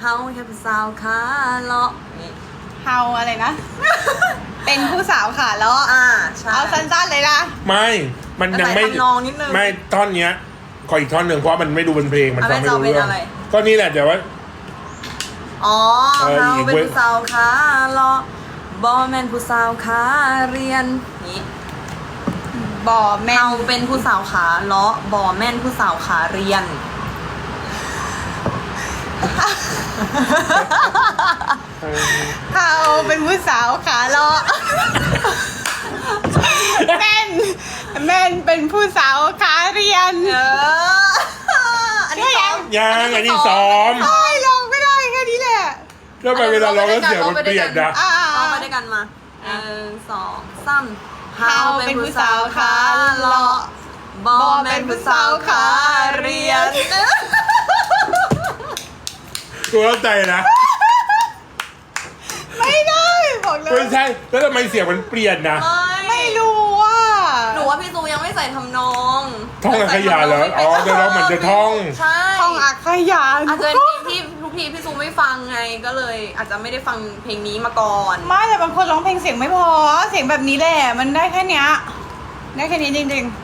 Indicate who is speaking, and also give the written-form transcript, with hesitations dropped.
Speaker 1: เฮาแค่ผู้สาวขาเลาะนี่
Speaker 2: เฮาอะไรนะ เป็นผู้สาวขาเลาะ
Speaker 1: ใช่
Speaker 2: เอาสั้นๆเลยนะ
Speaker 3: ไม่มันยังไม่
Speaker 1: ใส่ทำนองนิดนึง
Speaker 3: ไม่ท่อนเนี้ยขออีกท่อนหนึ่งเพราะมันไม่ดูเป็นเพลงมันฟังไม่รู้
Speaker 1: เอาเป็น
Speaker 3: เรื่อง
Speaker 1: อะไร
Speaker 3: ก็นี่แหละเดี๋ยวว่า
Speaker 1: อ๋อ
Speaker 3: เออ
Speaker 1: เฮา
Speaker 3: อีก
Speaker 1: เป็น
Speaker 3: เว้ย
Speaker 1: ผู้สาวขาเลาะบอแมนผู้สาวขาเรียนนี่
Speaker 2: บ่อแม่
Speaker 1: เฮาเป็นผู้สาวขาเลาะบอแม่นผู้สาวขาเรียน
Speaker 2: เฮาเป็นผู้สาวขาเลาะแม่นเป็นผู้สาวขาเรียน
Speaker 1: อันนี้ซ้อม
Speaker 3: ยังอันนี้ซ้อม
Speaker 2: ไอ้ลองไม่ได้แค่นี้แหละ
Speaker 3: แล้วไปเวลาร้องแล้วเสียงมันเปลี่ยนนะ
Speaker 1: เอามาด้วยกันมาสองสามเฮาเป็นผู้สาวขาเลาะบอแม่นผู้สาวขาเรียน
Speaker 3: กูเข้าใจนะ
Speaker 2: ไม่ได้บอกเลย
Speaker 3: ไม่ใช่แล้วทำไมเสียงมันเปลี่ยนนะ
Speaker 2: ไม่รู้ว่า
Speaker 1: หนูว่าพี่ซูยังไม่ใส่ทำนอง
Speaker 3: ท่องอักขยาเหรออ๋อจะร้องเหมือนจะท่อง
Speaker 1: ใช่
Speaker 2: ท่องอักขยาน
Speaker 1: อาจจะเป็นเพลงที่ทุกทีพี่ซูไม่ฟังไงก็เลย อาจจะไม่ได้ฟังเพลงนี้มาก่อน
Speaker 2: ไม่แต่บางคนร้องเพลงเสียงไม่พอ เสียงแบบนี้แหละ มันได้แค่เนี้ย ได้แค่นี้จริงๆ